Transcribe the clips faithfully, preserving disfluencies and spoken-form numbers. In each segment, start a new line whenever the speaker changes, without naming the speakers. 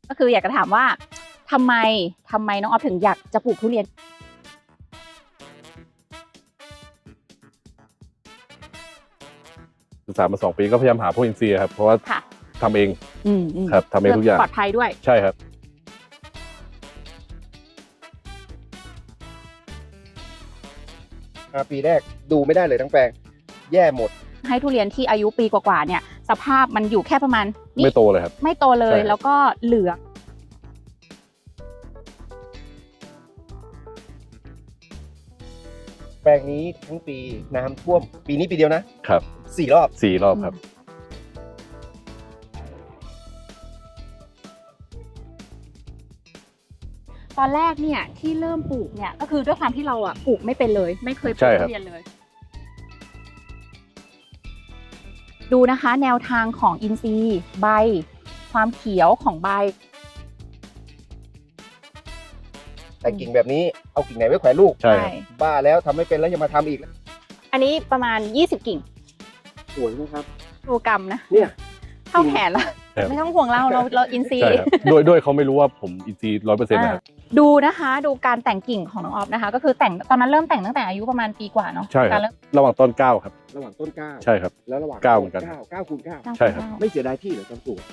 ก็คืออยากจะถามว่าทำไมทำไมน้องออฟถึงอยากจะปลูกทุเรียน
ศึกษามาสองปีก็พยายามหาพวกอินทรีย์ครับเพราะว่าทำเองครับทำเองทุกอย่าง
ปลอดภัยด้วย
ใช่ครับ
ปีแรกดูไม่ได้เลยทั้งแปลงแย่หมด
ให้ทุเรียนที่อายุปีกว่าๆเนี่ยสภาพมันอยู่แค่ประมาณ
ไม่โตเลยครับ
ไม่โตเลยแล้วก็เหลือง
แปลงนี้ทั้งปีน้ำท่วมปีนี้ปีเดียวนะครับสี่รอบ
สี่รอบครับ
ตอนแรกเนี่ยที่เริ่มปลูกเนี่ยก็คือด้วยความที่เราอ่ะปลูกไม่เป็นเลยไม่เคยปลูกทุเรียนเลยดูนะคะแนวทางของอินทรีย์ใบความเขียวของใบ
แต่กิ่งแบบนี้เอากิ่งไหนไว้แขวนลูก
ใช่
บ้าแล้วทำไม่เป็นแล้วยังมาทำอีก
อันนี้ประมาณยี่สิบกิ่ง
สวยนะครับ
ดูกรรมนะ
เนี่ย
เท่าแขนละไม่ต้องห่วงเราเราเราอินทรีย์
ด้วยด้วยเขาไม่รู้ว่าผมอินทรีย์ร้อยเปอร์เซ็นต์นะครับ
ดูนะคะดูการแต่งกิ่งของน้องออฟนะคะก็คือแต่งตอนนั้นเริ่มแต่งตั้งแต่อายุประมาณปีกว่าเนาะ
ใช่ครับระหว่างต้นเก้าครับ
ระหว่างต้นเก้า
ใช่ครับ
แล้วระหว่าง
เก้าเหมือนกัน
เก้าเก้าคูณเก้า
ใช่ครับ
ไม่เสียดายที่เหรอตอนปลูก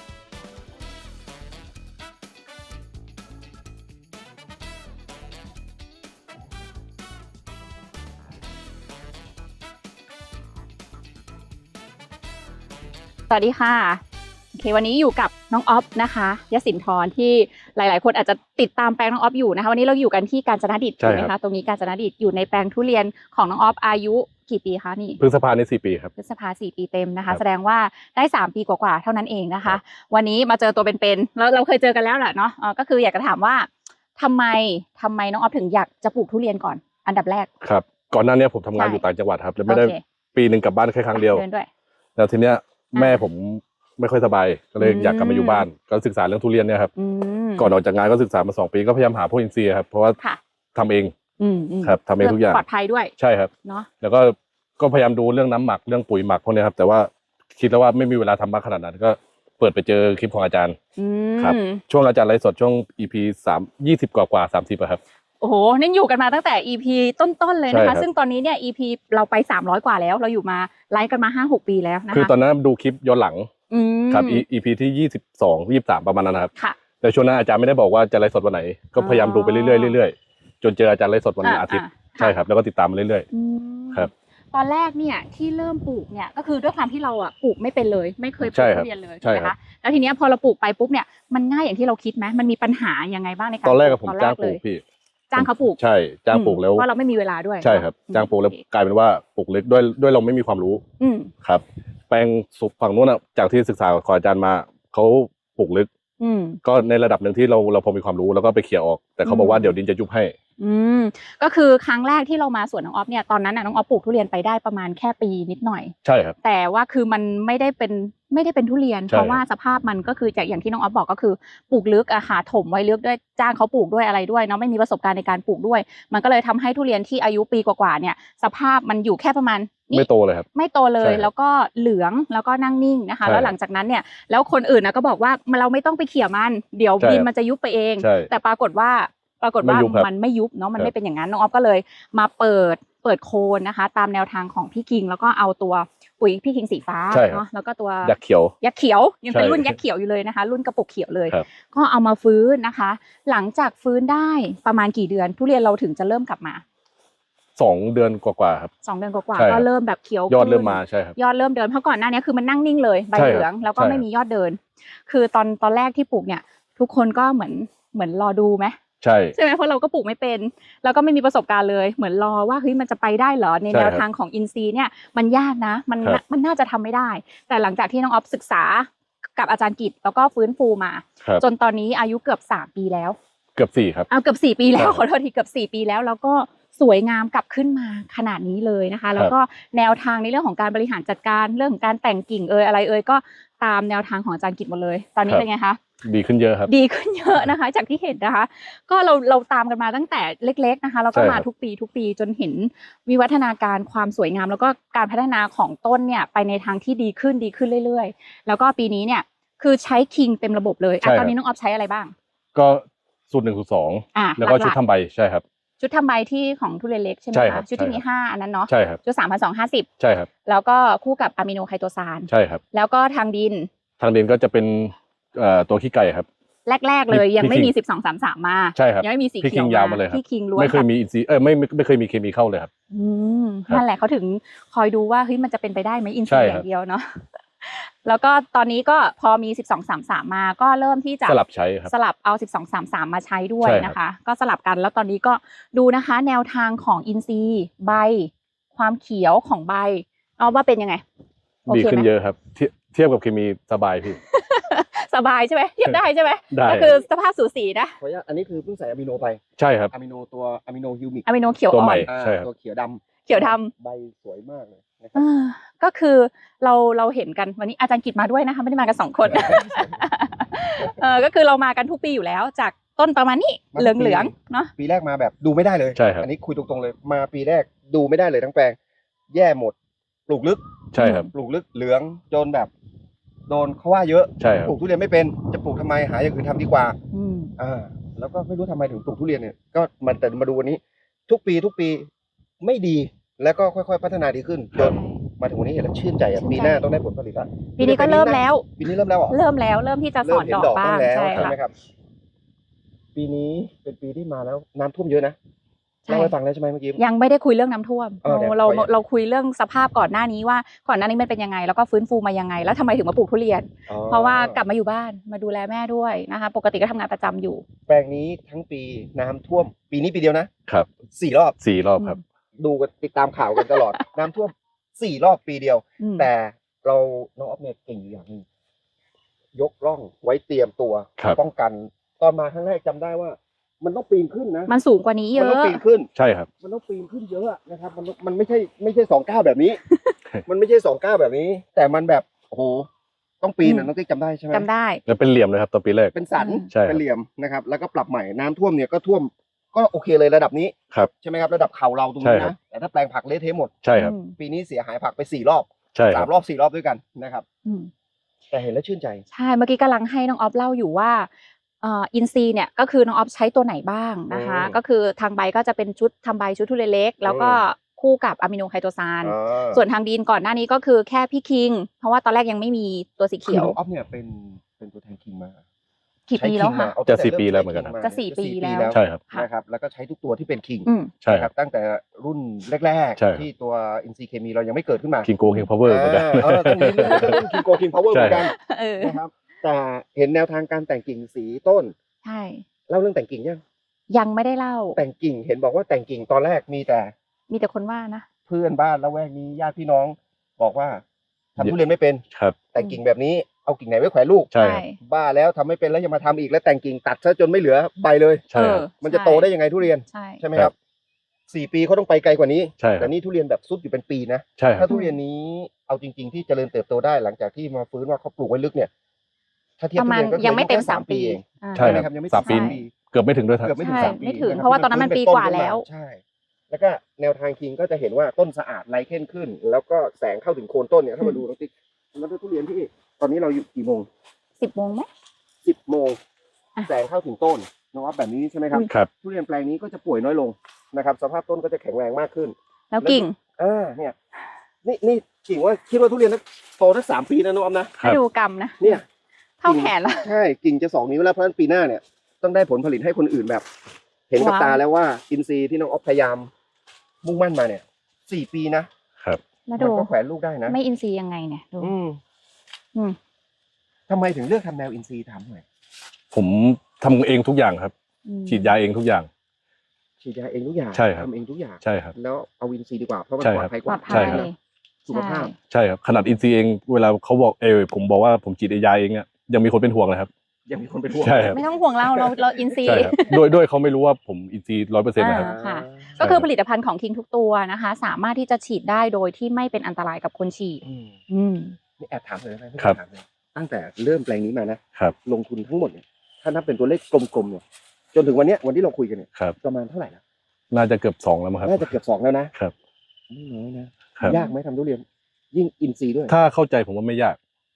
สวัสดีค่ะโอเควันนี้อยู่กับน้องออฟนะคะยศินทร์ที่หลายๆคนอาจจะติดตามแปลงน้องออฟอยู่นะคะวันนี้เราอยู่กันที่กาญจนดิตใช่ไหมคะตรงนี้กาญจนดิตอยู่ในแปลงทุเรียนของน้องออฟอายุกี่ปีคะนี่
พฤษภาในสี่ปีครับ
พฤษภาสี่ปีเต็มนะคะแสดงว่าได้สามปีกว่าๆเท่านั้นเองนะคะวันนี้มาเจอตัวเป็นๆแล้วเราเคยเจอกันแล้วแหละเนาะก็คืออยากจะถามว่าทำไมทำไมน้องออฟถึงอยากจะปลูกทุเรียนก่อนอันดับแรก
ครับก่อนหน้านี้ผมทำงานอยู่ต่างจังหวัดครับแล้วไม่ได้ปีหนึ่งกลับบ้านแค่ครั้งเดียวแล้วทีเนี้ยแม่ผมไม่ค่อยสบายก็เลยอยากกลับมาอยู่บ้านก็ศึกษาเรื่องทุเรียนเนี่ยครับก่อนออกจากงานก็ศึกษามาสองปีก็พยายามหาพวกอินทรีย์ครับเพราะว่าทำเองครับทำเองทุกอย่าง
ปลอดภัยด้วย
ใช่ครับเนาะแล้วก็ก็พยายามดูเรื่องน้ำหมักเรื่องปุ๋ยหมักพวกนี้ครับแต่ว่าคิดแล้วว่าไม่มีเวลาทำมากขนาดนั้นก็เปิดไปเจอคลิปของอาจารย์ครับช่วงอาจารย์ไลฟ์สดช่วง อี พี สาม ยี่สิบกว่ากว่าสามสิบครับ
โอ้โหนี่อยู่กันมาตั้งแต่ อี พี ต้นๆเลยนะคะซึ่งตอนนี้เนี่ย อี พี เราไปสามร้อยกว่าแล้วเราอยู่มาไลฟ์กันมา ห้าหก ปีแล้วนะคะ
คือตอนนั้นดูคลิปย้อนหลังครับ อี พี ที่ยี่สิบสอง ยี่สิบสามประมาณนั้นครับแต่ช่วงนั้นอาจารย์ไม่ได้บอกว่าจะไลฟ์สดวันไหนก็พยายามดูไปเรื่อยๆเรื่อยๆจนเจออาจารย์ไลฟ์สดวันอาทิตย์ใช่ครับแล้วก็ติดตามมาเรื่อยๆครับ
ตอนแรกเนี่ยที่เริ่มปลูกเนี่ยก็คือด้วยความที่เราอ่ะปลูกไม่เป็นเลยไม่เคยปลูกทุเรียนเลยใช่ไหมคะแล้วทีเนี้ยพอเราปลูกไปปุ๊บเนี่ยมันง่ายอย่างที่เราคิดไหมมันมีปัญหายังไงบ้างในการ
ตอนแรกผมจ้างปลูกพี่
จ้างเขาปลูก
ใช่จ้างปลูกแล้ว
ว่าเราไม่มีเวลาด้วย
ใช่ครับจ้างปลูกแล้วกลายเป็นว่าปลูกเล็กด้วยด้วยเราไม่มีความรู้ครับแปลงสุกฝั่งนู้นอ่ะจากที่ศึกษาของอาจารย์มาเขาปลูกลึกก็ในระดับหนึ่งที่เราเราพอมีความรู้แล้วก็ไปเขี่ยออกแต่เขาบอกว่าเดี๋ยวดินจะยุบให้
อืมก็คือครั้งแรกที่เรามาสวนน้องออฟเนี่ยตอนนั้นน่ะน้องออฟปลูกทุเรียนไปได้ประมาณแค่ปีนิดหน่อย
ใช่ครับ
แต่ว่าคือมันไม่ได้เป็นไม่ได้เป็นทุเรียนเพราะว่าสภาพมันก็คือจากอย่างที่น้องออฟบอกก็คือปลูกลึกอะค่ะถมไว้ลึกด้วยจ้างเขาปลูกด้วยอะไรด้วยเนาะไม่มีประสบการณ์ในการปลูกด้วยมันก็เลยทำให้ทุเรียนที่อายุปีกว่าๆเนี่ยสภาพมันอยู่แค่ประมาณ
ไม่โตเลยครับ
ไม่โตเลยแล้วก็เหลืองแล้วก็นั่งนิ่งนะคะแล้วหลังจากนั้นเนี่ยแล้วคนอื่นนะก็บอกว่าเราไม่ต้องไปเขี่ยมันเดี๋ยวดินมันจะยุบไปเองแต่ปรากฏว่าปรากฏว่ามันไม่ยุบเนาะมันไม่เป็นอย่างนั้นน้องออฟก็เลยมาเปิดเปิดโคนนะคะตามแนวทางของพี่คิงแล้วก็เอาตัวปุ๋ยพี่คิงสีฟ้าเนาะแล้วก็ตัว
ยักษ์เขียว
ยักษ์เขียวยังเป็นรุ่นยักษ์เขียวอยู่เลยนะคะรุ่นกระปุกเขียวเลยก็เอามาฟื้นนะคะหลังจากฟื้นได้ประมาณกี่เดือนทุเรียนเราถึงจะเริ่มกลับมา
สองเดือนกว่าๆครับ
สองเดือนกว่าๆก็เริ่มแบบเขียวย
อดเริ่มมาใช่ครับ
ยอดเริ่มเดินเพราะก่อนหน้านี้คือมันนั่งนิ่งเลยใบเหลืองแล้วก็ไม่มียอดเดินคือตอนตอนแรกที่ปลูกเนี่ยทุกคนก็เหมือนเหมือนรอดูไหม
ใช่
ใช่ไหมเพราะเราก็ปลูกไม่เป็นแล้วก็ไม่มีประสบการณ์เลยเหมือนรอว่าเฮ้ยมันจะไปได้เหรอในแนวทางของอินทรีย์เนี่ยมันยากนะมันมันน่าจะทำไม่ได้แต่หลังจากที่น้องออฟศึกษากับอาจารย์กิตแล้วก็ฟื้นฟูมาจนตอนนี้อายุเกือบสามปีแล้ว
เกือบสี่ครับ
เอาเกือบสี่ปีแล้วขอโทษทีเกือบสี่ปีแล้วแล้วก็สวยงามกลับขึ้นมาขนาดนี้เลยนะคะแล้วก็แนวทางในเรื่องของการบริหารจัดการเรื่องของการแต่งกิ่งเอยอะไรเอยก็ตามแนวทางของอาจารย์กิตหมดเลยตอนนี้เป็นไงคะ
ดีขึ้นเยอะครับ
ดีขึ้นเยอะนะคะจากที่เห็นนะคะก็เราเราตามกันมาตั้งแต่เล็กๆนะคะแล้วก็มาทุกปีทุกปีจนเห็นวิวัฒนาการความสวยงามแล้วก็การพัฒนาของต้นเนี่ยไปในทางที่ดีขึ้นดีขึ้นเรื่อยๆแล้วก็ปีนี้เนี่ยคือใช้คิงเต็มระบบเลย
ใช่ครับ
ตอนนี้น้องออฟใช้อะไรบ้าง
ก็สูตรหนึ่งสูตรสอง
อ่ะ
แล้วก็
หลักๆ
ชุดทำใบใช่ครับ
ชุดทำใบที่ของทุเรียนเล็กใช่ไหม
ใช่ครั
คะ
บ
ชุดที่มี
ใช่ครับ
ห้าอันนั้นเนาะ
ใช่ครับ
ชุดสามพันสองห้าสิบ
ใช่ครับ
แล้วก็คู่กับอะมิโนไคโตซาน
ใช่ครับ
แล้วก็ทางดิน
ทางดินก็จะเป็นเอ่อตัวขี้ไก่ครับ
แรกๆเลย
พี่
ยังไม่มี
พี่คิง
สิบสอง สามสาม มา
ใช่ครับ
ยังไม่มีสี
พี่
เขี
คิ
ยว
งยาวมาเลยครับ
พี่คิงล้วน
ไม่เคย
ค่ะ
มีอินซีย์เออไม่ไม่ไม่เคยมีเคมีเข้าเลยครับ
อืม
ครับ
นั่นแหละเขาถึงคอยดูว่าเฮ้ยมันจะเป็นไปได้ไหมอิน
ใช่
ซีอ
ครับ
ย่างเดียวเนาะ แล้วก็ตอนนี้ก็พอมีสิบสอง สามสาม มาก็เริ่มที่จะ
สลับใช้ครับ
สลับเอาสิบสอง สามสาม มาใช้ด้วย
ใช่ครับ
นะคะ ก็สลับกันแล้วตอนนี้ก็ดูนะคะ แนวทางของอินซีย์ใบ ความเขียวของใบเอาว่าเป็นยังไงโอ
ดี
เค
ขึ้น
ไหม
เยอะครับเทียบเทียบกับเคมีสบายพี่
สบายใช่ไหมเทียบได้ใช่ไหม
ได้
ก็คือสภาพสูสีนะ
ขออนุญาตอันนี้คือเพิ่งใส่อะมิโนไป
ใช่ครับ
อะมิโนตัวอะมิโนฮิวมิก
อะมิโนเขียว
ตัว
อ่
ให
อ
ม่
น
อ่า
ใช่ครับ
ตัวเขียวดำ
เขียวดำ
ใบสวยมากเลยนะค
เอ
รับ
อก็คือเราเราเห็นกันวันนี้อาจารย์กิจมาด้วยนะคะไม่ได้มากันสองคน เออก็คือเรามากันทุกปีอยู่แล้ว จากต้นประมาณนี้
มาทุกปี
เหลืองเหลืองๆเนาะ
ปีแรกมาแบบดูไม่ได้เลย
ใช่ครับ
อันนี้คุยตรงๆเลยมาปีแรกดูไม่ได้เลยทั้งแปลง แย่หมด ปลูกลึก
ใช่ครับ
ปลูกลึกเหลืองจนแบบ โดนเขาว่าเยอะ
ใช่ครับ
ปลูกทุเรียนไม่เป็นจะปลูกทำไมหาอย่างอื่นทำดีกว่า
อืม
อ่า แล้วก็ไม่รู้ทำไมถึงปลูกทุเรียนเนี่ยก็มาแต่มาดูวันนี้ ทุกปีทุกปีไม่ดีแล้วก็ค่อยๆพัฒนาดีขึ้นจนมาถึงวันนี้เห็นแล้วชื่นใจอ่ะ
ชื่นใจ
ปีหน้าต้องได้ผลผลิตละ
ปีนี้ก็เริ่มแล้ว
ปีนี้เริ่มแล้วเหรอ
เริ่มแล้วเริ่มที่จะส
เริ่
อ
ม
น
เห็น
ดอก
ดอก
บ้า
บ้าง งแล้ว
ใช่
ใช่
ค่ะ
ไหมครับ ปีนี้เป็นปีที่มาแล้วน้ำท่วมเยอะนะ
ใช่
เล่าให้ฟังแล้วใช่ไหมเมื่อกี้
ยังไม่ได้คุยเรื่องน้ำท่วม
เออเดี๋ยว
เรา
ขออย่า
เราคุยเรื่องสภาพก่อนหน้านี้ว่าก่อนหน้านี้มันเป็นยังไง แล้วก็ฟื้นฟูมายังไง แล้วทำไมถึงมาปลูกทุเรียน
อ๋อ
เพราะว่ากลับมาอยู่บ้านมาดูแลแม่ด้วยนะคะ ปกติก็ทำงานประจำอยู่
แปลงนี้ทั้งปีน้ำท่วม ปีนี้ปีเดียวนะครับ สี่รอบ
สี่รอบครับ
ดูกันติดตามข่าวกันตลอด น้ำท่วมสี่รอบปีเดียว
อืม
แต่เราน้องออฟเนี่ยเก่งอยู่อย่างหนึงยกร่องไว้เตรียมตัว
ครับ
ป้องกัน ตอนมาครั้งแรกจำได้ว่า มันต้องปีนขึ้นนะ
มันสูงกว่านี้เย
มันต้อง
อะ
ปีนขึ้น
ใช่ครับ
มันต้องปีนขึ้นเยอะอะนะครับ มันมันไม่ใช่ไม่ใช่สองก้าวแบบนี้ มันไม่ใช่สองก้าวแบบนี้ แต่มันแบบโอ้โหต้องปีน
อื
อะ
ม
น้องติ๊กจำได้ใช่ไหม
จำได้
แล้วเป็นเหลี่ยมเลยครับตอนปีแรก
เป็นสัน
ใช่ครับ
เป็นเหลี่ยมนะครับ แล้วก็ปรับใหม่น้ำท่วมเนี่ยก็ท่วมก็โอเคเลยระดับนี้
ครับ
ใช่ไหมครับระดับเข่าเราตรง
ใช่
นี้
ครับ
นะแต่ถ้าแปลงผักเละเทะหมด
ใช่ครับ
อืม
ปีนี้เสียหายผักไปสี่รอบ
ใช่ค
สา
รับ
มรอบสี่รอบด้วยกันนะครับ
อืม
แต่เห็นแล้วชื่นใจ
ใช่เมื่อกี้กำลังให้น้องออฟเล่าอยู่ว่าเอ่ออินซีย์เนี่ยก็คือน้องออฟใช้ตัวไหนบ้างนะคะ
อืม
ก็คือทางใบก็จะเป็นชุดทำใบชุดทุเรียนเล็ก แล้วก็คู่กับอะมิโนไคโตซาน
อ่า
ส่วนทางดินก่อนหน้านี้ก็คือแค่พี่คิง เพราะว่าตอนแรกยังไม่มีตัวสี
คือ
เขียว
น้องออฟเนี่ยเป็นเป็นตัวแทนคิงมา
กี่ปีแล้วค่ะ
เอา
จะ
ตั้งต่
สี่ปี
เริ่
แล้วเหมือนกันครับ
ใช้
จะสี่ปีแล้ว
ใช่ครับ
ค่ะ
นะครับแล้วก็ใช้ทุกตัวที่เป็นคิง
อืม
ใช่
นะ
ค
ค
รั
รับ บตั้งแต่รุ่นแรก
ใช่ครับ
ๆที่ตัวอินซีเคมีเรายังไม่เกิดขึ้นมา
คิงโกคิงพาวเวอร์เหมือนกัน
เออต้องมีเรื่องรุ่นคิงโกคิงพาวเวอร์เหมือนกัน
เออ
นะครับแต่เห็นแนวทางการแต่งกิ่งสีต้น
ใช่
เล่าเรื่องแต่งกิ่งยัง
ยังไม่ได้เล่า
แต่งกิ่งเห็นบอกว่าแต่งกิ่งตอนแรกมีแต่
มีแต่คนว่านะ
เพื่อนบ้านละแวกนี้ญาติพี่น้อง บอกว่าทำทุเรียนไม่เป็น
ครับ
แต่งกิ่งแบบนี้เอากิ่งไหนไว้แขวนลูก
ใช่ครับ
บ้าแล้วทำไม่เป็นแล้วยังมาทำอีกแล้วแต่งกิ่งตัดซะจนไม่เหลือใบเลย
ใช่ครับ
เออ
มันจะโตได้ยังไงทุเรียน
ใช่
ใช่ไหมครับสี่ปีเขาต้องไปไกลกว่านี้
ใช่ครับ
แต่นี่ทุเรียนแบบซุดอยู่เป็นปีนะ
ใช่ครั
ถ้า
บ
ทุเรียนนี้เอาจริง ๆ ที่เจริญเติบโตได้หลังจากที่มาฟื้นว่าเขาปลูกไว้ลึกเนี่ย ถ้าเทียบ
ประ
ทุ
มาณ
เรียนก็คือ
ยังไม่เต็ม
อายุแค่
สามปี
เอง
อ่า
ใช่
ไหม
ครับ
ยังไม่
สามปี
ถึง
เกือบไม่ถึงด้วยครับ
เกือบไม่ถึง
ใช่
สามปี
ไม่ถึง
คบ
เพราะว่าตอนนั้นมันปีกว่าแล้ว
ใช่ แล้วก็แนวทางคิงก็จะเห็นว่าต้นสะอาดไรเข้นขึ้น แล้วก็แสงเข้าถึงโคนต้นเนี่ยถ้ามาดูน้องติ๊กแล้วทุเรียนที่ตอนนี้เราอยู่กี่โมง
สิบโมงไหม
สิบโมง
อ่ะ
แสงเข้าถึงต้นน้องว่าแบบนี้ใช่ไหมครับ
ครับ
ทุเรียนแปลงนี้ก็จะป่วยน้อยลงนะครับ สภาพต้นก็จะแข็งแรงมากขึ้น
แล้วกิ่ง
อ่าเนี่ยนี่นี่กิ่งว่าคิดว่าทุเรียนโตได้สามปีนะน้องออมนะ
ครับ
ให้ดูกรรมนะ
เนี่ย
เท่าแขนละ
ใช่กิ่งจะสองนิ้วแล้วเพราะฉะนั้นปีหน้าเนี่ยต้องได้ผลผลิตให้คนอื่นแบบ เห็นกับ
ว้าว
ตาแล้วว่าอินทรีย์ที่น้องออฟพยายามมุ่งมั่นมาเนี่ยสี่ปีนะครับ
แล้ว
มั
ดู
ก็แขวนลูกได้นะ
ไม่อินซีย์ยังไงเนี่ยดู
อืม
อืม
ทำไมถึงเลือกทำแนวอินทรีย์ทำหน่อย
ผมทำเองทุกอย่างครับ
อืม
ฉีดยาเองทุกอย่าง
ฉีดยาเองทุกอย่าง
ใช่ครับ
ทำเองทุกอย่าง
ใช่ครับ
แล้วเอาอินทรีย์ดีกว่าเพราะมัน
ใช่
ปลอ
ครั
ด
บ
ภัยก
ปลอ
ว่า
ดภั
ใช่
ย
ครับ
สุขภาพ
ใช่ครับขนาดอินซีเองเวลาเขาบอกเออผมบอกว่าผมฉีดยาเองเนี่ยยังมีคนเป็นห่วงเลยครับ
ยังมีคนเป็นห่วง
ใช่ครับ
ไม่ต้องห่วงเราเราเราอินซีย์
ใช่ครับด้วยด้วยเขาไม่รู้ว่าผมอินซีร้อยเปอร์เซ็นต์นะครับ
อ่า ค่ะ
ใช่
ก็คือผลิตภัณฑ์ของคิงทุกตัวนะคะ สามารถที่จะฉีดได้โดยที่ไม่เป็นอันตรายกับคนฉีด
อืม
อืม
นี่แอบถามเลยนะไม่
ครับ
ถามเลยตั้งแต่เริ่มแปลงนี้มานะครับ ลงทุนทั้งหมดเนี่ยถ้านับเป็นตัวเลขกลมๆเนี่ยจนถึงวันเนี้ยวันที่เราคุยกันเนี่ย
ครับ
ประมาณเท่าไหร่แล้ว
น่าจะเกือบสองแล้วมั้งครับ
น่าจะเกือบสองแล้วนะครับ ไม่น้อยนะครับ ยากไหมทำทุเรียน ยิ่งอินทรีย์ด้วย
ถ้าเข้าใจผมว่าไม่ยาก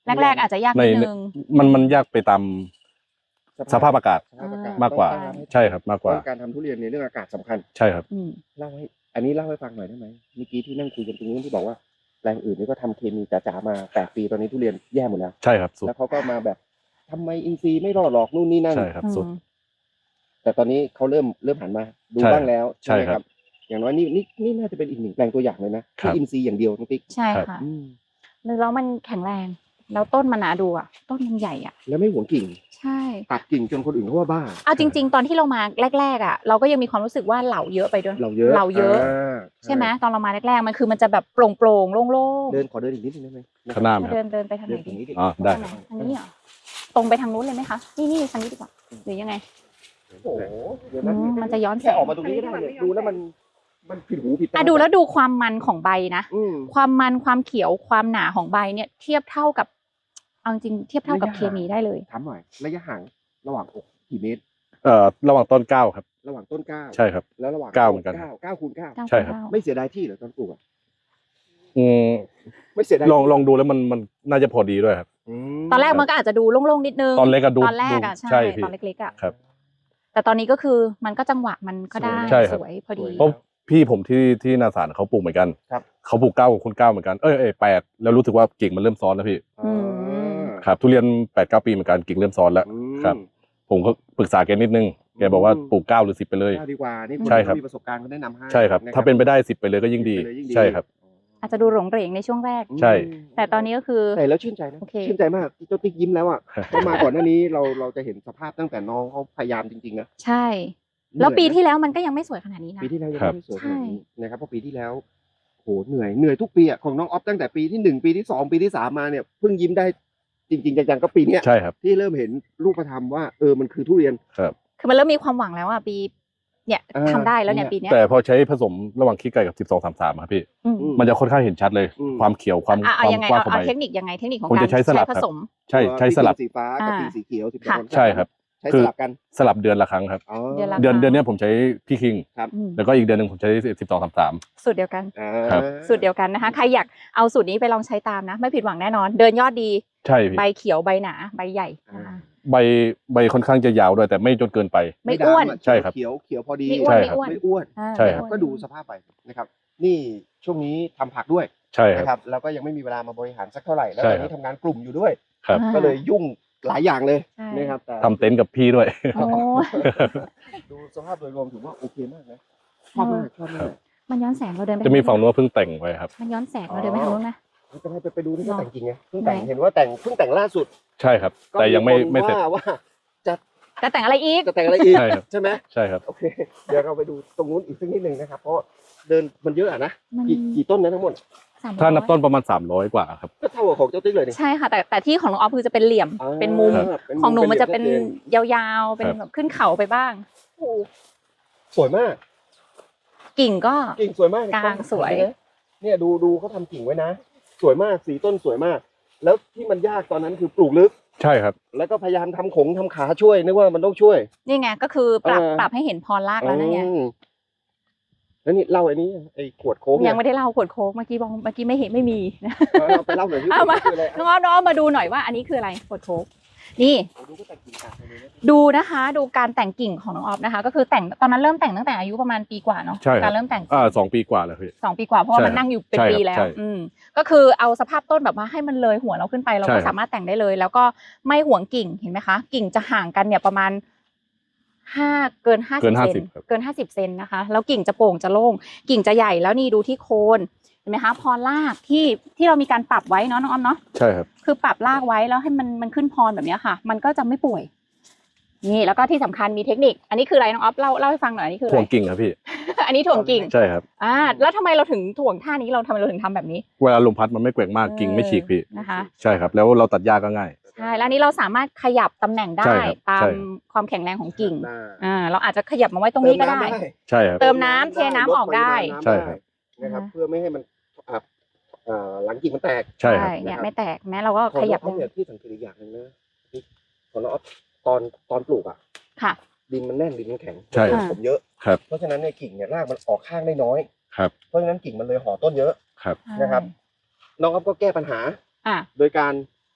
แรกๆอาจจะยาก
ใน
นิดนึง
มันมันยากไปตามสภาพอากาศ
สภาพอากาศ
มากกว่า
ต้อง
ใช่ครับมากกว่า
ต้องการทำทุเรียนในเรื่องอากาศสำคัญ
ใช่ครับ
อืม
เล่าให้อันนี้เล่าให้ฟังหน่อยได้ไหมเมื่อกี้ที่นั่งคุยกันตรงนู้นที่บอกว่าแปลงอื่นนี่ก็ทำเคมีจ๋าๆมาแปดปีตอนนี้ทุเรียนแย่หมดแล้ว
ใช่ครับสุด
แล้วเขาก็มาแบบทำไมอินทรีย์ไม่รอดหรอกนู่นนี่นั่น
ใช่ครับสุด
แต่ตอนนี้เขาเริ่มเริ่มหันมาดู
ใช่
บ้างแล้ว
ใช่
ไหม
ครับ
อย่างน้อยนี่นี่นี่น่าจะเป็นอีกหนึ่งแปลงตัวอย่างเลยนะ
ครั
ที่
บ
อินทรีย์อย่างเดียวน้องติ๊ก
ใช่ค่ะ
อืม
แล้วมันแข็งแรง แล้วต้นมันหนาดูอ่ะ ต้นมันใหญ่อ่ะ
แล้วไม่หวงกิ่ง
ใช่
ตัดกิ่งจนคนอื่นเขาว่าบ้า
เอาจริง ๆ ตอนที่เรามาแรกๆอ่ะ เราก็ยังมีความรู้สึกว่าเหล่าเยอะไปด้วย
เราเยอะ
เหล่าเยอะ
า
ใช่ไหมตอนเรามาแรกๆมันคือมันจะแบบโปร่งๆโล่งๆ
เดินขอเดินอีกนิดนึงได้ไหม
ข้างหน้าไหมค
เดิ
รับ
นเดินไปทางไห
เดิ
น
นตร
ดี
งนี้ดิ
อ๋อได้
ทางไหนทางนี้เหรอตรงไปทางนู้นเลยไหมคะ นี่นี่ทางนี้ดีกว่าหรือยังไง
โอ้โหเดี๋ยว
อื
นะ
มมันจะย้อนแส
แค่
ง
ออกมาตรงนี้ก็ได้เนี่ยดูแล้วมันมันผิดหูผิดตา
อ่ะดูแล้วดูความมันของใบนะ
อืม
ความมันความเขียวความหนาของใบเนี่ยเทียบเท่ากับเอาจริงเทียบเท่ากับ
ระยะ
เคมีได้เลย
ถามหน่อยระยะห่างระหว่างอกกี่เมตร
เอ่อระหว่างต้นเก้าครับ
ระหว่างต้นเก้า
ใช่ครับ
แล้วระหว่าง
เก้าเหมือนกัน
เก้าเก้าคูณเก้า
เก้า
ใช่ครับ
เก้า
ไม่เสียดายที่เหรอตอนปลูกอะ
อืม
ไม่เสียดาย
ลองลองดูแล้วมันมันน่าจะพอดีด้วยครับ
ม
ตอนแรกมันก็อาจจะดูโล่งๆนิดนึง
ตอนเล็กก็ดู
ตอนแรกอะ
ดู
ใช่
ใช่พี่
ตอนเล็กๆอะ
ครับ
แต่ตอนนี้ก็คือมันก็จังหวะมันก็ได้
ใช่ครับ
สวยพอดี
เพราะพี่ผมที่ที่นาสารเขาปลูกเหมือนกัน
ครับ
เขาปลูกเก้ากับคุณเก้าเหมือนกันเอ้ยเอ้ยแปดแล้วรู้สึกว่ากิ่งมันเริ่มซ้อนแล้วพี่
อืม
ครับทุเรียนแปดเก้าปีเหมือนกันกิ่งเริ่มซ้อนแล้ว
อืม
ครับ ผมก็ปรึกษาแกนิดนึงแกบอกว่าปลูกเก้าหรือสิบไปเลย
เก้าดีกว่านี่
ใช่ครับ
มีประสบการณ์เขาแนะนำให้
ใช่ครับ
ะ
ถ้าเป็นไปได้สิบไปเลยก็ยิ่งดี
ไปเลยยิ่ง
ใช่ครับ
อาจจะดูหลงเหรงในช่วงแรก
อืม
ใช่
แต่ตอนนี้ก็คือ
ใช่แล้วชื่นใจนะ
โอเค
ชื่นใจมากเจ้าติ๊กยิ้มแล้วอ่ะเพราะมาก่อนหน้านี้เราเราจะเห็นสภาพตั้งแต่น้องเขาพยายามจริงๆนะ
ใช่ แล้ว
เหนื่อยนะ
ปีที่แล้วมันก็ยังไม่สวยขนาดนี้นะ
ปีที่แล้วยัง
ครับ
ไม่ได้สวยขนาดนี้นะครับเพราะปีที่แล้วโหเหนื่อยเหนื่อยทุกปีอ่ะของน้องออฟตั้งแต่ปีที่หนึ่งปีที่สองปีที่สามมาเนี่ยเพิ่งยิ้มได้จริงๆจังๆก็ปีเนี้ย
ใช่ครับ
ที่เริ่มเห็นรูปธรรมว่าเออมันคือทุเรียน
ครับ
คือมันเริ่มมีความหวังแล้วอ่ะปีเนี่ย
อ่า
ทำได้แล้วเนี่ย
เนี่ย
ปีเนี้ย
แต่พอใช้ผสมระหว่างขี้ไก่กับสิบสองสามสามครับพี่
อืม
อื
มันจะค่อนข้างเห็นชัดเลย
อืม
ความเขียวความ
อ่ะ
ค
เอา
วาม
ยังไง
กว้าง
เอา
ของ
เอา
ใบ
เทคนิคยังไงเทคนิคของ
ผม
การ
จะใช้สลับ
ผ
ครับ
สม
ใช่ใช้สลับ
สีฟ้ากับ
อ่า
ปีสีเขียวสิบส
ค่ะ
อง
ใช่ครับ
ใช้
คื
ส
อ
ลับกัน
สลับเดือนละครั้งครับ
อ๋อ
เดือนละ
เดือนเดือนเนี้ยผมใช้พี่คิง
ครับ
อืม
แล้วก็อีกเดือนหนึ่งผมใช้สิบสองสามสาม
สูตรเดียวกัน
อ่า
ครับ
สูตรเดียวกันนะคะ ใครอยากเอาสูตรนี้ไปลองใช้ตามนะ ไม่ผิดหวังแน่นอน เดินยอดดี
ใช่พี่
ใบเขียวใบหนาใบใหญ่นะคะ
ใบใบค่อนข้างจะยาวด้วยแต่ไม่จนเกินไป
ไม่อ้วน
ดำะ
ใช่ครับ
เขียวเขียวพอดี
ไม่อ้วน
ใช่
ไม่
ครับ
อ้วน
ไม่อ้วน
อ่า
ใช่
ไม่
ครับ
อ้วน
ก็ดูสภาพไปนะครับ นี่ช่วงนี้ทำผักด้วย
ใช่ครับ
นะครับแล้วก็ยังไม่มีเวลามาบริหารสักเท่าไหร่แล้ว
ใช่
ตอนนี้
ครับ
ทำงานกลุ่มอยู่ด้วย
ครับ
อ่า
ก็เลยยุ่งหลายอย่างเลย
ใช่
นะครับแต่
ทำเต็นท์กับพี่ด้วย
โอ้
ดูสภาพโดยรวมถือว่าโอเคมากนะชอบมากชอบมาก
มันย้อนแสงเราเดินไป
จะมีฝั่ง
ทา
นู้นเพิ่งแต่งไว้ครับ
มันย้อนแสงเราเดินไปทางนู้นนะ
จะให้ไปไปดูที่เขา
หรอ
แต่งจริงไงเพิ่งแต่ง
ไหน
เห็นว่าแต่งเพิ่งแต่งล่าสุด
ใช่ครับ
ก็
แต่ยังไม่
คน
ไม่เสร็จ
ว่าว่าจะ
แต่แต่งอะไรอีก
จะแต่งอะไรอีก
ใช่ครับ
ใช่ไหม
ใช่ครับ
โอเคเดี๋ยวเราไปดูตรงนู้นอีกสักนิดหนึ่งนะครับเพราะเดินมันเยอะอะนะ
มัน
กี่กี่ต้นนะทั้งหมด
สามร้อย
ถ้านับต้นประมาณสามร้อยกว่าครับ
ก็เท่ากับของเจ้าติ๊กเลยนี่
ใช่ค่ะ แต่แต่ที่ของน้องออฟคือจะเป็นเหลี่ยม
อ่า
เป็นมุม
เป็
ของหนูมันจะเป็น
หลี่ยชัดจ
ยาวๆ เป็น
ครับ
แบบขึ้นเขาไปบ้าง
โอ้สวยมาก
กิ่งก็
กิ่งสวยมาก
กลางสวย
เนี่ยดูดูเขาทำกิ่งไว้นะ สวยมากสีต้นสวยมาก แล้วที่มันยากตอนนั้นคือปลูกลึก
ใช่ครับ
แล้วก็พยายามทำขงทำขาช่วยนึกว่ามันต้องช่วย
นี่ไงก็คือปรับ
เออ
ปรับให้เห็นพรลากแล้วนั่นไง
อืมแล้วนี่เล่าไอ้นี้ไอ้ขวดโค้ก
ยั
เนี่
งไม่ได้เล่าขวดโค้กเมื่อกี้บอกเมื่อกี้ไม่เห็นไม่มีนะ
เอาไปเล่าหน่อยที่
เอามา
คืออะไร
น้องออฟน้องออฟมาดูหน่อยว่าอันนี้คืออะไรขวดโค้กนี่
ดูก็แต่งกิ่งกาดไปเลยนะ
ดูนะคะ ดูการแต่งกิ่งของน้องออฟนะคะ ก็คือแต่งตอนนั้นเริ่มแต่งตั้งแต่อายุประมาณปีกว่าเนาะ
ใช่ครับ
การเริ่มแต่ง
อ่าสองปีกว่าแล้วพี่
สองปีกว่าเพราะว่า
ใช่
มันนั่งอยู่เป็น
ใช่ครับ
ปีแล้ว
ใช่
อืมก็คือเอาสภาพต้นแบบว่าให้มันเลยหัวเราขึ้นไปเรา
ใช่
ก็
ครับ
สามารถแต่งได้เลย แล้วก็ไม่ห่วงกิ่งเห็นไหมคะ กิ่งจะห่างกันเนี่ยประมาณห้าเกินห้า
เกิ
สิบ
นห้า
เซ
สิบ
น
ครับ
เกินห้าสิบเซนนะคะ แล้วกิ่งจะโป่งจะโล่งกิ่งจะใหญ่แล้วนี่ดูที่โคนเห็นไหมคะพรรากที่ที่เรามีการปรับไว้เนาะน้องออมเนาะ
ใช่ครับ
คือปรับรากไว้แล้วให้มันมันขึ้นพรแบบเนี้ยค่ะ มันก็จะไม่ป่วย นี่แล้วก็ที่สำคัญมีเทคนิค อันนี้คืออะไรน้องออฟเล่าเล่าให้ฟังหน่อยอันนี้คืออะ
ถ่
ไร
วงกิ่งครับพี่
อันนี้ถ่วงกิ่ง
ใช่ครับ
อ่าแล้วทำไมเราถึงถ่วงท่านี้เราทำไมเราถึงทำแบบนี้
เวลาลมพัดมันไม่แกว่งมากกิ่งไม่ฉีกพี่
นะคะ
ใช่ครับ แล้วเราตัดหญ้าก็ง่าย
ใช่แล้วอันนี้เราสามารถขยับตำแหน่งได้
ใช่ครับ
ตาม
ใช่
ความแข็งแรงของกิ่ง
ได้
อ่าเราอาจจะขยับมาไว้ตรงนี้ก็ได้
ใช่ครับ
เติมน้ำเทน้ำออกได้
ลปริมาณน้ำ
ใช่ครับ
นะครับ
อ่า
เพื่อไม่ให้มันอ่าอ่าหลังกิ่งมันแตก
ใช่ครับ
เนี่ย
นะครับ
ไม่แตกแม้เราก็
ของ
ขยับ
น้องเนี่ยที่สังเกตอีกอย่างหนึ่งนะที่ของน้องอ๊อฟตอนตอนปลูกอ่ะ
ค่ะ
ดินมันแน่นดินมันแข็ง
ใช่
อ่า
ผมเยอะ
ครับ
เพราะฉะนั้นเนี่ยกิ่งเนี่ยรากมันออกข้างได้น้อย
ครับ
เพราะฉะนั้นกิ่งมันเลยห่อต้นเยอะ
ครับ
นะครับ น้องอ๊อฟก็แก้ปัญหา
อ่า
โดยการ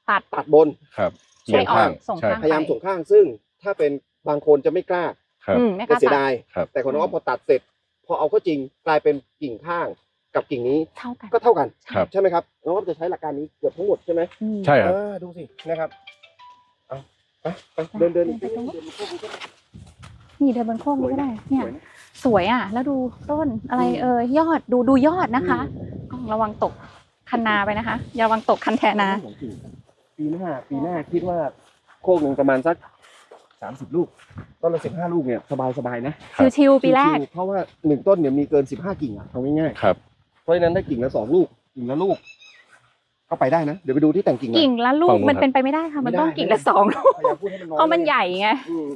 ตัด
ตัดบน
ครับ
ใช้อ่อนส่ง
ใช่
ข้าง
พยายามส่งข้างซึ่งถ้าเป็นบางคนจะไม่กล้า
ครับ
อืมไม่ก
ก็
ล้า
เสีย
ตัด
ดาย
ครับ
แต่คนน้องพอตัดเสร็จ พอเอาเข้าจริงกลายเป็นกิ่งข้างกับกิ่งนี้
เท่ากัน
ก็เท่ากัน
ครับ
ใช่ไหมครับน้องอ๊อฟจะใช้หลักการนี้เกือบทั้งหมดใช่ไหม
อืม
ใช่ครับ
เออดูสินะครับเอาไปไปเดินเดิน
เดินไปตรงนู้น
เดินเข้าไปก็ได้
นี่เดินบนโค้งนี้ก็ได้เนี่ย
สวยนะ
สวยอ่ะ แล้วดูต้นอะไร
อืม
เอ่ยยอดดูดูยอดนะคะกล้องระวังตกคันนาไปนะคะอย่าระวังตกคันแทนา
ปีหน้าปีหน้าคิดว่าโคกหนึ่งประมาณสักสามสิบลูกต้นละสิบห้าลูกเนี่ยสบายสบายๆนะ
ชิวๆปีแรก
ชิวๆเพราะว่าหนึ่งต้นเนี่ยมีเกินสิบห้ากิ่งอ่ะเอาง่าย
ครับ
ๆเพราะฉะนั้นได้กิ่งละสองลูกกิ่งละลูกก็ไปได้นะเดี๋ยวไปดูที่แต่งกิ่งหน่อย
กิ่งละลู
ฝั่
ก
งนู้น
มันเป็นไปไม่ได้ค่ะ มันต้องกิ่งละสองลูก
พยายามพูดให้มันน้อย
เพราะมันใหญ่ไง
อืม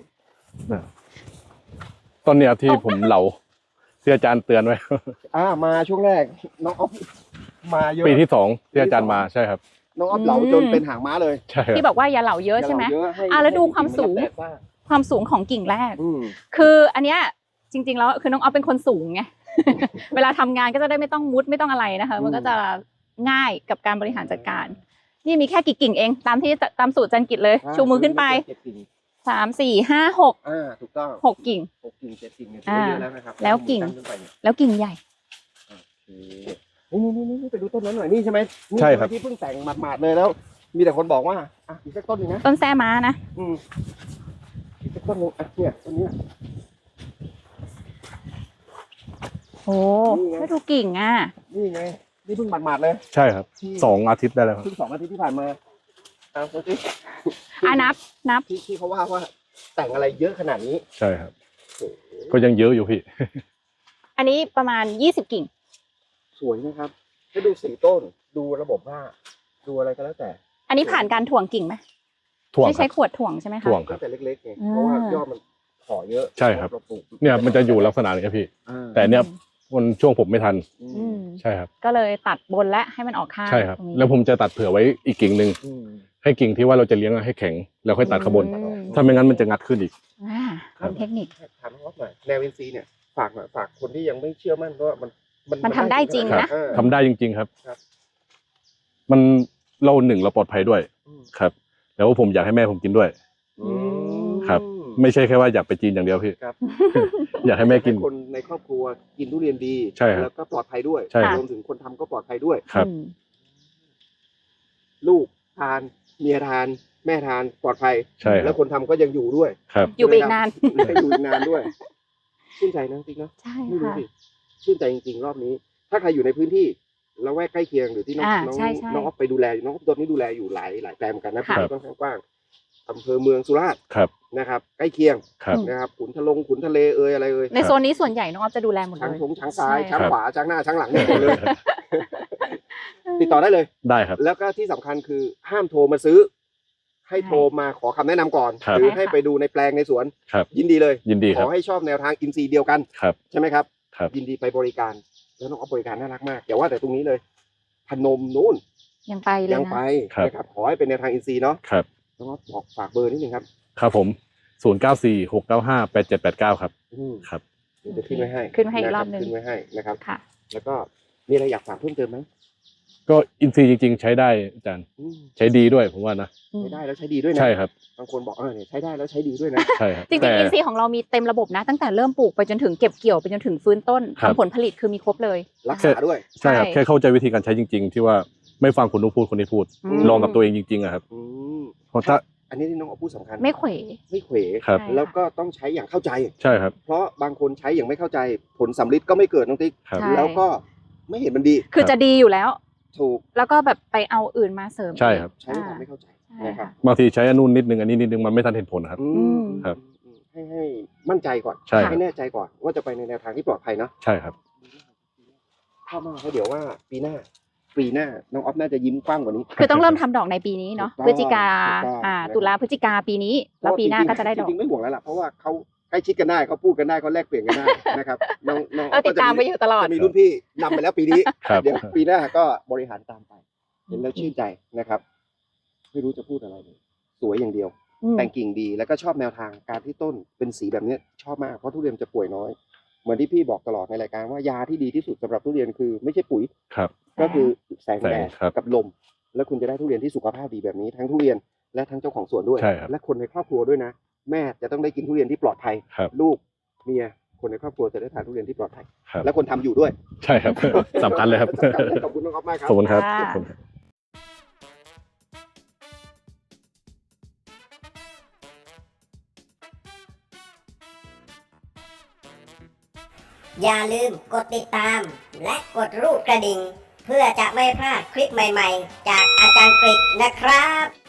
ต้นเนี้ยที่ผมเหลาที่อาจารย์เตือนไว้
อ่ามาช่วงแรกน้องอ๊อฟมาเยอะ
ปีที่สองที่อาจารย์มาใช่ครับ
น้องอ๊อฟเหลาจนเป็นหางม้าเลย
ใช่ครับ
ที่บอกว่าอย่าเหล่าเยอะใช่ไหม
ย่าเหลาเยให้
อ่ะแล้วดูความสูง
ให้กิ่นรับแดดบ้าง
ความสูงของกิ่งแรก
อืม
คืออันเนี้ยจริง ๆ แล้วคือน้องออฟเป็นคนสูงไง เวลาทำงานก็จะได้ไม่ต้องมุดไม่ต้องอะไรนะคะ มันก็จะง่ายกับการบริหารจัดการ นี่มีแค่กี่กิ่งเอง ตามที่ตามสูตรจันกิจเลย ชูมือขึ้นไป
เจ็ดกิ่ง
สามสี่ห้าหก
อ่าถูกต้อง
หกกิ่ง
หกกิ่งเจ็ดกิ่งเนี่ยถือว่าเยอะแล้วนะครับ
แล้วกิ่ง
ตั้ขึ้นไปเนี่ย
แล้วกิ่งใหญ่
โอเคนี่นี่นี่นี่ไปดูต้นนั้นหน่อยนี่ใช่ไหมนี่
ใช่ครับ
ไหมที่เพิ่งแต่งหมาดๆเลยแล้ว มีแต่คนบอกว่าอ่ะอีกสักต้นหนึงนะ
ต้นแซม้านะ
อืมอีกสักต้นหนึงอ่ะเนี่ยต้นเนี้ย
โอ้แล้วดูกิ่งอ่ะ
นี่ไงนี่เพิ่งหมาดๆเลย
ใช่ครับ
ที่
สองอาทิตย์ได้แล้วครับ
เพิ่งสองอาทิตย์ที่ผ่านมาเอาดูสิ
อ่ะนับนับ
ที่ที่เขาว่าว่าแต่งอะไรเยอะขนาดนี้
ใช่ครับ
โอ้โห
ก็ยังเยอะอยู่พี่
อันนี้ประมาณยี่สิบกิ่ง
สวยนะครับให้ดูสีต้นดูระบบว่าดูอะไรก็แล้วแต่
อันนี้ผ่านการถ่วงกิ่งไหม
ถ่วง
ที่
ค
ใช้
รับ
ขวดถ่วงใช่ไหมคะ
ถ่วงครั
ตั้
บ
งแต่เล็กๆไง
อ่า
เพราะว่ายอดมันขอเยอะ
ใช่ครับ
เราปลูก
เนี่ยมันจะอยู่ลักษณะนี้ครับพี่
อ่า
แต่เนี่ยมันช่วงผมไม่ทัน
อื
อื
ม
ม
ใช่ครับ
ก็เลยตัดบนและให้มันออกข้าง
ใช่ครับ
ตงนี้
แล้วผมจะตัดเผื่อไว้อีกกิ่งหนึ่ง
อืม
ให้กิ่งที่ว่าเราจะเลี้ยงให้แข็งแล้วค่อยตัดขางบน
อืม
ถ้าไม่งั้นมันจะงัดขึ้นอีก
อ่าเป็นเทคนิค
ถามน้องอ๊อฟหน่อยแนวอินซีย์เนี่ยฝากหน่อยฝากคนที่ยังไม่เชื่อมั่นว่ามัน
มันทำได้จริง
ขนา
นะ
เออ
ทำได้จริง ๆครับ
ครับ
มันเราหนึ่งเราปลอดภัยด้วย
อืม
ครับ แล้วผมอยากให้แม่ผมกินด้วย
อืม
ครับ ไม่ใช่แค่ว่าอยากไปจีนอย่างเดียวพี่
ครับ
อยากให้แม่กิน
ให้คนในครอบครัวกินทุเรียนดี
ใช่ครับ
แล้วก็ปลอดภัยด้วย
ใช่ครับ
รวมถึงคนทำก็ปลอดภัยด้วย
ครับ
อืม
ลูกทานเมียทานแม่ทานปลอดภัย
ใช่ค
แล้
รั
ว
บ
คนทำก็ยังอยู่ด้วย
ครับ
อยู่ไปอีกนาน
ให้อยู่อีกนานด้วยชื่นใจนะจริงๆนะ
ใช่
ไม่รู้
ค่ะ
สิชื่นใจจริงๆรอบนี้ ถ้าใครอยู่ในพื้นที่ละแวกใกล้เคียงหรือที่น้อง
อ่า
น้อง
ใช่ใช่
น้องอ๊อฟไปดูแลอยู่น้องอ๊อฟตอนนี้ดูแลอยู่หลายหลายแปลงเหมือนกันนะ
ค่ะ
พื้นที่ค่อนข้างกว้างอำเภอเมืองสุราษฎร์
ครับ
นะครับ ใกล้เคียง
ครับ
นะครับขุนทะลงขุนทะเลเอยอะไรเอย
ในโซนนี้ส่วนใหญ่น้องออฟจะดูแลหมดเล
ช้าง
ย
ทงช้างซ้าย
ใช่
ช้าง
ครับ
ขวาช้างหน้าช้างหลังเนี่ยหมดเลย ติดต่อได้เลย
ได้ครับ
แล้วก็ที่สำคัญคือห้ามโทรมาซื้อ ให้โทรมาขอคำแนะนำก่อน
ครับ
หรือให้ไปดูในแปลงในสวน
ครับ
ยินดีเลย
ยินดี
ข
ครั
อบ ให้ชอบแนวทางอินซีย์เดียวกัน
ครับ
ใช่ไหมครับ
ครับ
ยินดีไปบริการ แล้วน้องอ๊อฟบริการน่ารักมากอย่าว่าแต่ตรงนี้เลยพนมนู้น
ยังไปเลย
ยัง
นะ
ไป
ครับ
นะครับขอให้เป็นแนวทางอินซีย์เนาะ
ครับ
น้องอ๊อฟบอกฝากเบอร์นิดนึงครับ
ครับผม ศูนย์ เก้า สี่ หก เก้า ห้า แปด เจ็ด แปด เก้า ครับ
อืม
ครับ
เดี๋ยวจะขึ้นไว้ให้
ขึ้นไว้ให้อีกรอบหนึ่ง
ขึ้นไว้ให้นะครับ
ค่ะ
แล้วก็มีอะไรอยากฝากเพิ่มเติมไหม
ก็อินซีย์จริง ๆ ใช้ได้อาจารย์
อืม
ใช้ดีด้วยผมว่านะ
อืม
ใช้ได้แล้วใช้ดีด้วยนะ
ใช่ครับ
บางคนบอกเออเนี่ยใช้ได้แล้วใช้ดีด้วยนะ
ใช่ครับ
จริง
แต่
ๆอินซีย์ของเรามีเต็มระบบนะ ตั้งแต่เริ่มปลูกไปจนถึงเก็บเกี่ยวไปจนถึงฟื้นต้น
ครับ
ทำผลผลิตคือมีครบเลย
รักษาด้วย
ใช่ครับ
ใช่
แค่เข้าใจวิธีการใช้จริง ๆ ที่ว่าไม่ฟังคนนู้นพูดคนนี้พูด
อืม
ลองกับตัวเองจริงๆอะครับ
อืม
เพราะถ้า
อันนี้ที่น้องอ๊อฟพูดสำคัญ
ไม่เขว
ไม่เขว
ครับ
ใช่
แล้วก็ต้องใช้อย่างเข้าใจ
ใช่ครับ
เพราะบางคนใช้อย่างไม่เข้าใจผลสำลิดก็ไม่เกิดน้องติ๊ก
ครับ
ใช่
แล้วก็ไม่เห็นมันดี
คือจะดีอยู่แล้ว
ถูก
แล้วก็แบบไปเอาอื่นมาเสริม
ใช่ครับ
ใช้ด้วยความไม่เข้าใจ
ใช่
นะครับ
ค่ะ
บางทีใช้อันนู้นนิดนึงอันนี้นิดนึงมันไม่ทันเห็นผลนะครับ
อื
อื
ม
ม
ครับ
อืมให้ให้มั่นใจก่อน
ใช่ครับ
ให้แน่ใจก่อนว่าจะไปในแนวทางที่ปลอดภัยเนาะ
ใช่ครับ
ถ้ามากเพราะเดี๋ยวว่าปีหน้า ปีหน้าน้องอ๊อฟน่าจะยิ้มกว้างกว่านี้
คือต้องเริ่มทำดอกในปีนี้เนาะ
ถูกต้อง
พฤศจิกา
ถูกต้อง
อ่า
นะครับ
ตุลาพฤศจิกาปีนี้ แล้วปีหน้าก็จะได้ดอก
จริงๆไม่ห่วงแล้วล่ะเพราะว่าเขาใกล้ชิดกันได้เขาพูดกันได้เขาแลกเปลี่ยนกันได้นะครับน้องน้อง
เราติดตามไปอยู่ตลอด
จะมีรุ่นพี่นำไปแล้วปีนี้
ครับ
เดี๋ยวปีหน้าก็บริหารตามไป เห็นแล้วชื่นใจนะครับ ไม่รู้จะพูดอะไรเลยสวยอย่างเดียว
อืม
แต่งกิ่งดีแล้วก็ชอบแนวทางการที่ต้นเป็นสีแบบเนี้ยชอบมากเพราะทุเรียนจะป่วยน้อย เหมือนที่พี่บอกตลอดในรายการว่ายาที่ดีที่สุดสำหรับทุเรียนคือไม่ใช่ปุ๋ย
ครับ
ก็คือแสงแดด
แสงครับ
กับลมแล้วคุณจะได้ทุเรียนที่สุขภาพดีแบบนี้ทั้งทุเรียนและทั้งเจ้าของสวนด้วย
ใช่ครับ
และคนในครอบครัวด้วยนะแม่จะต้องได้กินทุเรียนที่ปลอดภัย
ครับ
ลูกเมียคนในครอบครัวจะได้ทานทุเรียนที่ปลอดภัย
ครับ
และคนทำอยู่ด้วย
ใช่ครับ สำคัญเลยครับ
ขอบคุณน้องอ๊อฟมากครับ
ขอบคุณครับ
ค่ะ
ขอบคุณครับ
อย่าลืมกดติดตามและกดรูปกระดิ่ง เพื่อจะไม่พลาดคลิปใหม่ๆ จากอาจารย์กฤษนะครับ